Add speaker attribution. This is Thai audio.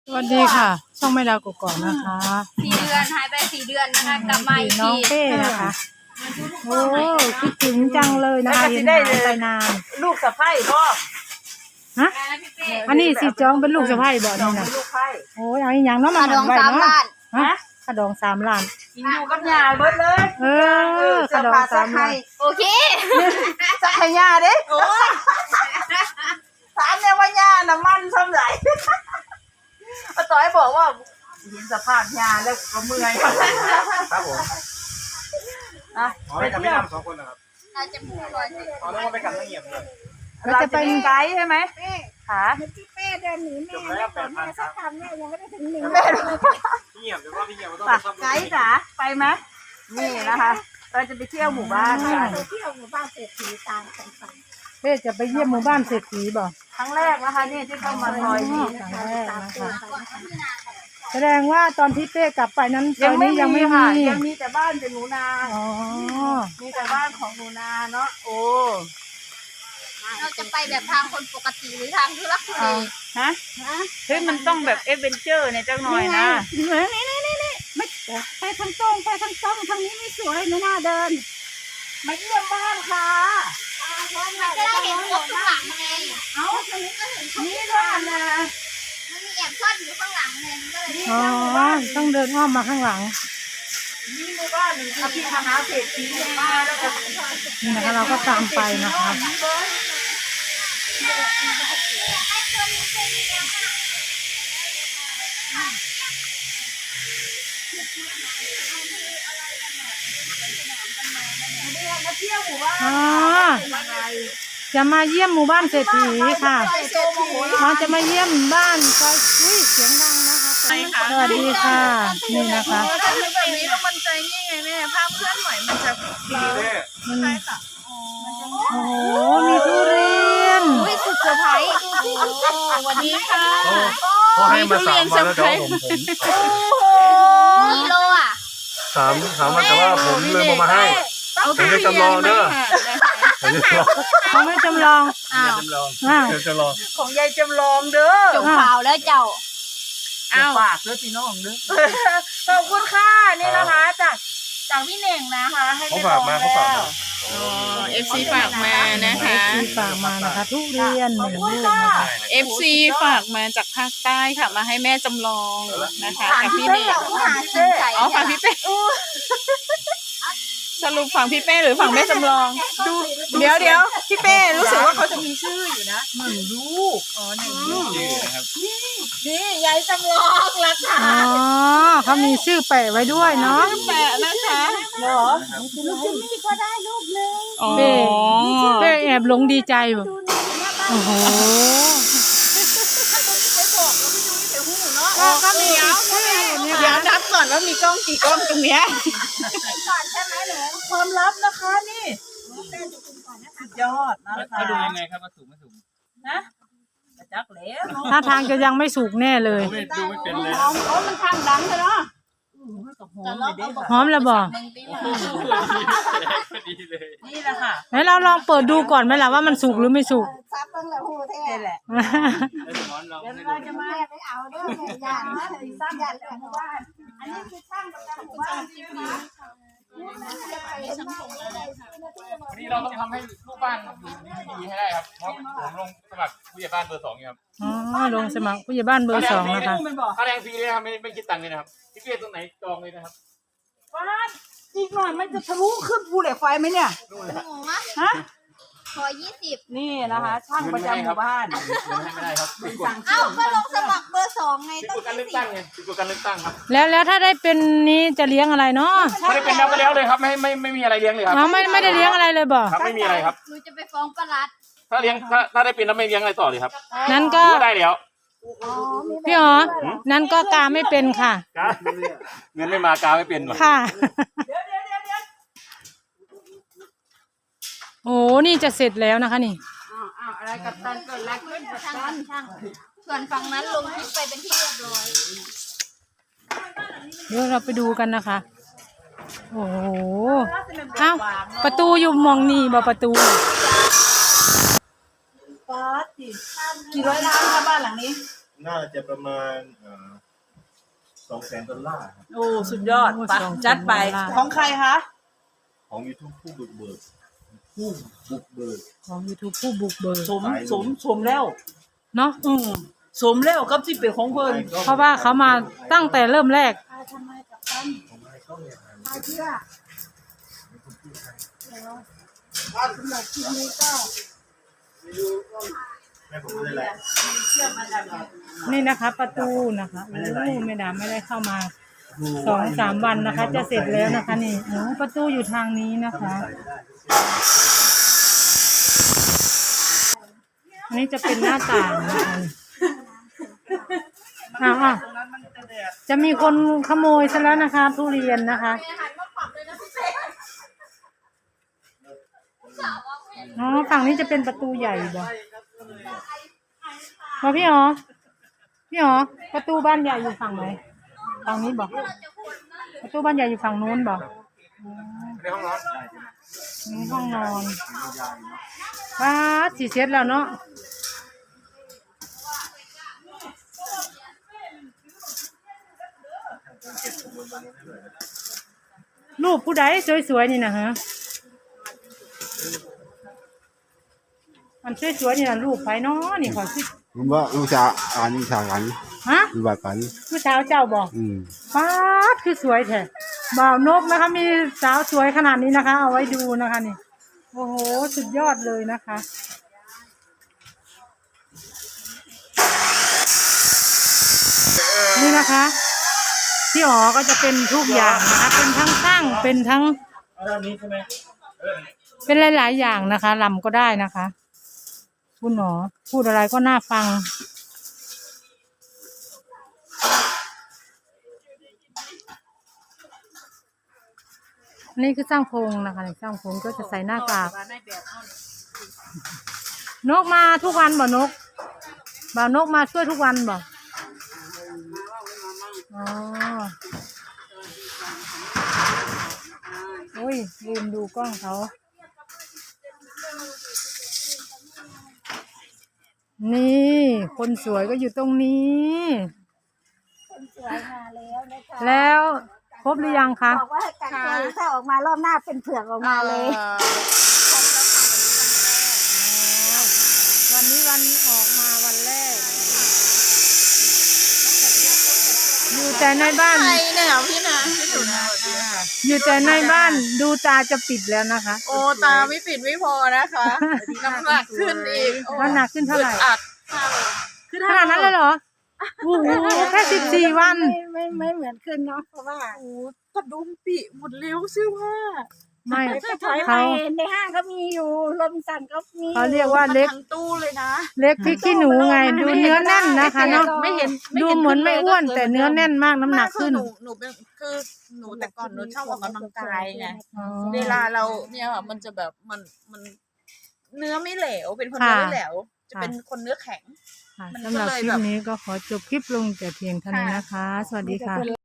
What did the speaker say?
Speaker 1: สวัสดีค่ะช่องไม่ดาวกกอกนะคะ
Speaker 2: 4 เดือนหายไป4 เดือนนะคะกลับมาอีก
Speaker 1: น้อง
Speaker 2: ที
Speaker 1: เป้นะคะโอ้คิดถึงจังเลยนะคะเห็นหายไปนาน
Speaker 3: ลูกสะใภ้พ่อ
Speaker 1: ฮะอันนี้สิจ้องเป็นลูกสะใภ้บ่นี่นะ
Speaker 3: ลูกไผ่
Speaker 1: โอ้ยเอาอีหยังเนาะมา
Speaker 2: ขาดอง
Speaker 1: ไว้
Speaker 2: 3
Speaker 1: เนาะ
Speaker 2: ล้าน
Speaker 1: ฮะขะดอง3 ล้าน
Speaker 3: กินอยู่กับยาเบิดเลย
Speaker 1: เออขะดอง3 ล้าน
Speaker 2: โอเค
Speaker 3: สักให้ยาเด้โอ้ถามเนี่ยว่ายาน้ำมันซ้ำไหลป้าต้อยบอกว่าเห็นสภาพยาแล้วก็เมื่อย
Speaker 4: ครับผม
Speaker 3: นะ
Speaker 4: อ๋อไปกับพี่ดำ2 คนนะครับ
Speaker 2: เราจะพูดก่อนสิ
Speaker 4: อ๋อแล้วก็ไปกับน้องเงียบเลย
Speaker 3: เราจะเป็นไกด์ใช่ไหมค่ะ
Speaker 5: พี่เป้เดินหนีแม่แล้วก่อนแม่สักคำแม่ยังไม่ได้ถึงหนึ่ง
Speaker 4: พี่เงียบเดี๋ยวว่าพี่เงียบก็ต้อง
Speaker 3: ฝา
Speaker 4: ไป
Speaker 3: ก
Speaker 4: ซ่อมรถ
Speaker 3: ไกด์จ๋าไปไหมนี่นะคะ เราจะไปเที่ยวหมู่บ้านกัน
Speaker 5: ไปเที่ยวหมู่บ้านเศรษฐีตามกันไป
Speaker 1: เป้จะไปเยี่ยมหมู่บ้านเศรษฐีบ่
Speaker 3: ครั้งแรกนะคะนี่ที่เข้ามาซอยนี้
Speaker 1: ครั้งแรกนะคะแสดงว่าตอนที่เป้กลับไปนั้นต
Speaker 3: ยั
Speaker 1: อง น
Speaker 3: ไม่
Speaker 1: นี้ยังไม่
Speaker 3: ค่ะ
Speaker 1: มี
Speaker 3: ยังมีแต่บ้านเป็นหนูนา
Speaker 1: อ๋อ
Speaker 3: มีแต่บ้านของหนูนาเนาะโอ้
Speaker 2: เราจะไปแบบทางคนปกติหรือทางทุรักทุเล
Speaker 3: ฮะเฮ้ยมันต้องแบบเอดเวนเจอร์เนี่ยจังหน่อยนะ
Speaker 5: นี่ไม่ไปทางตรงไปทางตรงทางนี้ไม่สวยไม่น่าเดิน
Speaker 3: มาเยี่ยมบ้านค่ะ
Speaker 2: จะได้เห็นครบทุกหลังไง
Speaker 3: เอ้า
Speaker 2: ตรงนี้ก็เห็นครบ
Speaker 3: นี่บ้านนะ
Speaker 2: มันมีแอบซ่อนอยู่ข้างหลังเลยมันก็เลย
Speaker 1: อ๋อต้องเดินอ้อมมาข้างหลัง
Speaker 3: นี่หมู่บ้านหนึ่งอภิมหาเศรษฐีหมู่บ้านแล้วก็
Speaker 1: นี่นะคะเราก็ตามไปนะคะ
Speaker 3: มาเที่ยวหมู่บ้าน
Speaker 1: อ๋อจะมาเยี่ยมหมู่บ้านเศรษฐีค่ะเราจะมาเยี่ยมบ้านซอยอุ้ยเสียงดังนะคะสวัสดีค่ะ นี่นะคะ
Speaker 3: ถ้าเป็นแบบนี้แล้วมันใจนี่ไงแม่ภาพเคลื่อนไหวมันจะ
Speaker 4: พี่เต้
Speaker 1: โอ้โหมีทุเรียน
Speaker 2: อุ้ยสุดเซอร์ไพรส์
Speaker 3: สวัสดีค่ะ
Speaker 4: เขาให้มา3 วันแล้วเดี๋ยวผม
Speaker 2: กิโลอ่ะ
Speaker 4: 3 วันแต่ว่าผมเลยมาให้ผมจะจำลองเด้อผมจะจำลอง
Speaker 1: เขาไม่จำลอง
Speaker 2: อ้าว
Speaker 4: จำลอง
Speaker 1: อ้าว
Speaker 4: เดี๋ยวจะลอง
Speaker 3: ของยายจำลองเด้อ
Speaker 2: จบข่าวแล้วเจ้า
Speaker 3: อ้าวฝากเด้อพี่น้องเด้อขอบคุณค่ะนี่นะคะจากพี่เน่งนะคะให้
Speaker 4: เขา
Speaker 3: ไป
Speaker 4: ฝาก
Speaker 3: ลอง
Speaker 4: มา
Speaker 3: แล้
Speaker 4: เขาฝาก
Speaker 3: ว
Speaker 4: มา
Speaker 6: FC ฝากมานะคะ
Speaker 1: ที่ฝากมานะคะ ทุเรียนหนึ่งลูกนะคะ
Speaker 6: FC ฝากมาจากภาคใต้ค่ะมาให้แม่จำลองนะคะกับพี่เน่ง
Speaker 2: หาซื้อไก่
Speaker 6: อ๋อฝั่งพี่เป้สรุปฝั่งพี่เป้หรือฝั่งแม่จำลองดูเดี๋ยวพี่เป้รู้สึกว่าเขาจะมีชื่ออยู่นะ
Speaker 3: หนึ่งลูกอ๋อหนึ่งลูก
Speaker 4: ชื่อนะครับ
Speaker 3: นี่ยายจำลองราคา
Speaker 1: อ๋อเขามีชื่อแปะไว้ด้วยเนาะ
Speaker 6: แปะนะคะ
Speaker 3: เหรอ
Speaker 5: นี่ก็ได้ลูกนึง
Speaker 6: อ๋อ
Speaker 1: เป้แอบหลงดีใจแบบโอ้โห
Speaker 6: ก็มีเดี๋ยวนับก่อนว่ามีกล้องกี่กล้องตรงเนี้ย
Speaker 3: ความลับนะคะนี่สุดยอดนะคะ
Speaker 4: เขาดูยังไงครับว่าสูงไม่สูง
Speaker 3: นะกระจักแล้วเนาะ
Speaker 1: ถ้าทางจะยังไม่สุกแน่เลย
Speaker 4: ไม่ดูไม่เป็นเลย
Speaker 3: มันข้างดังเลยเนาะหอมเลยดิ
Speaker 1: หอมแล้วบอก
Speaker 4: ดีเลย
Speaker 3: นี่แหละค่ะ
Speaker 1: ไหนเราลองเปิดดูก่อนไหมล่ะว่ามันสุกหรือไม่สุก
Speaker 5: ซับตั้งแต่หูแท้
Speaker 3: นี่แหละ
Speaker 4: แล้วสมอนลอง
Speaker 3: เดี๋ยว
Speaker 4: ให้
Speaker 3: เรา
Speaker 4: ดู
Speaker 3: จะมา
Speaker 5: แม่ไปเอาเด้อแม่ยานนะสร้างยานหมู่บ้านอันนี้คือช่างประจำหมู่บ้านที่นี่
Speaker 4: วันนี้เราต้องทำให้ลูกบ้านอยู่ดีๆให้ได้ครับเพราะผมลงสมัครผู้ใหญ่บ้านเบอร์ 2ครับ
Speaker 1: อ๋อลงสมัครผู้ใหญ่บ้านเบอร์ 2นะคะ
Speaker 3: มันบอก
Speaker 4: ค่าแรงฟรีเลยครับไม่คิดตังค์เลยนะครับพี่เปี้ยตรงไหนจองเลยนะครับ
Speaker 3: ว่าอีกหน่อยมันจะทะลุขึ้นภูเหล็กไฟไหมเนี่ย
Speaker 2: หมูมะ
Speaker 3: ฮะ
Speaker 2: ขอ20
Speaker 3: นี่นะคะ ช่างประจำหมู่บ้าน
Speaker 4: เงินให้ไม่ได้ครับผิดกฎ
Speaker 2: เอ้าก็ลงสมัครเบอร์ 2ไง
Speaker 4: ผิด
Speaker 2: ต้อก ง
Speaker 4: ฎการเลือกตั้งไงผิดกฎการเลือกตั้งครับ
Speaker 1: แล้วถ้าได้เป็นนี้จะเลี้ยงอะไรเนาะ
Speaker 4: ไม่ได้เป็นแล้วก็แล้วเลยครับไม่มีอะไรเลี้ยงเลยครับ
Speaker 1: เราไม่ได้เลี้ยงอะไรเลยบอก
Speaker 4: ครับไม่มีอะไรครับ
Speaker 2: หนูจะไปฟ้องประหลัด
Speaker 4: ถ้าเลี้ยงถ้าได้เป็นแล้วไม่เลี้ยงอะไรต่อเลยครับ
Speaker 1: นั้นก็
Speaker 4: ก็ได้แล้ว
Speaker 1: พี่อ๋อนั้นก็กาไม่เป็นค่ะ
Speaker 4: เงินไม่มากาไม่เป็นหรอ
Speaker 1: ค่ะ โอ้นี่จะเสร็จแล้วนะคะนี่
Speaker 3: อ้าวอะไรกับตันเกิดอะไรขึ้นกับ
Speaker 2: ช่าง
Speaker 3: ตัน
Speaker 2: ช่างส่วนฝั่งนั้นลงคลิปไปเป็นที่เรียบร้อย
Speaker 1: เดี๋ยวเราไปดูกันนะคะ โอ้โหเอ้าประตูอยู่มองนี่บ่ประตู
Speaker 3: ป๊าดสิกี่ร้อยล้านคะบ้านหลังนี้
Speaker 7: น่าจะประมาณ$200,000ครับ
Speaker 6: โอ้สุดยอดไปจัดไปของใครคะ
Speaker 7: ของ YouTube ผู้บุกเบิกผู้บุกเบิก
Speaker 1: ของ YouTube ผู้บุกเบิก
Speaker 6: สมแล้ว
Speaker 1: เนาะ
Speaker 6: สมแล้วกับที่เป็นของเพิ่น
Speaker 1: เพราะว่าเขามาตั้งแต่เริ่มแรก
Speaker 5: ทำไมกับตันพาเชื่อสำหรับคลิปนี้ก็
Speaker 7: แม่ผมไม่ได้ไร
Speaker 1: นี่นะคะ ประตูนะคะโอ้ไม่ดาไม่ได้เข้ามา2-3 วันนะคะ จะเสร็จแล้วนะคะนี่โอ้ประตูอยู่ทางนี้นะคะ อันนี้จะเป็นหน้าต่างนะคะจะมีคนขโมยซะแล้วนะคะ ทุเรียนนะคะอ๋อฝั่งนี้จะเป็นประตูใหญ่บ่พี่อ๋อประตูบ้านใหญ่อยู่ฝั่งไหนฝั่งนี้บ่ประตูบ้านใหญ่อยู่ฝั่งนู้นบ่
Speaker 4: ในห้องนอน
Speaker 1: นี่ห้องนอนว้าสีเซ็ตแล้วเนาะรูปผู้ใดสวยๆนี่นะฮะอันสวยๆนี่นะรูปไผเนาะนี่ขอสิ
Speaker 8: ผมว่าลูกชายลูกชายกัน
Speaker 1: ฮะ
Speaker 8: ลูกชายกัน
Speaker 1: ผู้สาวเจ้าบอก
Speaker 8: อืม
Speaker 1: ป้าดคือสวยแท้บ่าวนกนะคะมีสาวสวยขนาดนี้นะคะ เอาไว้ดูนะคะนี่โอ้โหสุดยอดเลยนะคะนี่นะคะพี่อ๋อก็จะเป็นทุกอย่างนะคะเป็นทั้งช่างเป็นทั้ง
Speaker 4: ด้านนี้ใช่ไหม
Speaker 1: เป็นหลายๆอย่างนะคะลำก็ได้นะคะคุณหมอพูดอะไรก็น่าฟังนี่คือสร้างพงนะคะสร้างพงก็จะใส่หน้ากากนกมาทุกวันบ่นกบ่าวนกมาช่วยทุกวันบ่อ๋อโอ้ยลืมดูกล้องเขานี่คนสวยก็อยู่ตรงนี้
Speaker 5: คนสวยมาแล้วนะคะ
Speaker 1: แล้วครบหรือยังคะ
Speaker 5: บอกว่าให้กักตัวถ้าออกมารอบหน้าเป็นเผือกออกมาเลย
Speaker 1: วันนี้วันออกมาวันแรกอยู่แต่ในบ้าน
Speaker 6: ใครเนี่ยพี่นะพี่สุนะ
Speaker 1: อยู่แต่ในบ้านดูตาจะปิดแล้วนะคะ
Speaker 6: โอ้ตาไม่ปิดไม่พอนะคะน้ำหนักขึ้นอีก
Speaker 1: น้ำหนักขึ้นเท่าไหร่
Speaker 6: อัด
Speaker 1: ขนาดนั้นเลยเหรอโอ้โหแค่14 วัน
Speaker 5: ไม่เหมือนขึ้นเนาะเพราะว่า
Speaker 6: โอ้กระดุมปีหมดเร็วเสื้อผ้า
Speaker 1: ไม่
Speaker 5: ไปถอยไป
Speaker 1: เขา
Speaker 5: ในห้างก็มีอยู่ลมสั่นก็มี
Speaker 1: เขาเรียกว่าเล็ก
Speaker 6: ทั้งตู้เลยนะ
Speaker 1: เล็กพริกขี้หนูไงดูเนื้อแน่นนะคะเนาะ
Speaker 6: ไม่เห็น
Speaker 1: ดูเหมือนไม่อ้วนแต่เนื้อแน่นมากน้ำหนักขึ้น
Speaker 6: หนูเป็นคือหนูแต่ก่อนหนูชอบออกกำลังกายไง
Speaker 1: อ๋อ
Speaker 6: เวลาเราเนี่ยค่ะมันจะแบบมันเนื้อไม่เหลวเป็นคนเนื้อไม่เหลวจะเป็นคนเนื้อแข็ง
Speaker 1: ค่ะ
Speaker 6: มัน
Speaker 1: สำหรับ
Speaker 6: ก็เลย
Speaker 1: คลิ
Speaker 6: แบ
Speaker 1: ป
Speaker 6: บ
Speaker 1: นี้ก็ขอจบคลิปลงแต่เพียงเท่านี้นะคะ สวัสดีค่ะ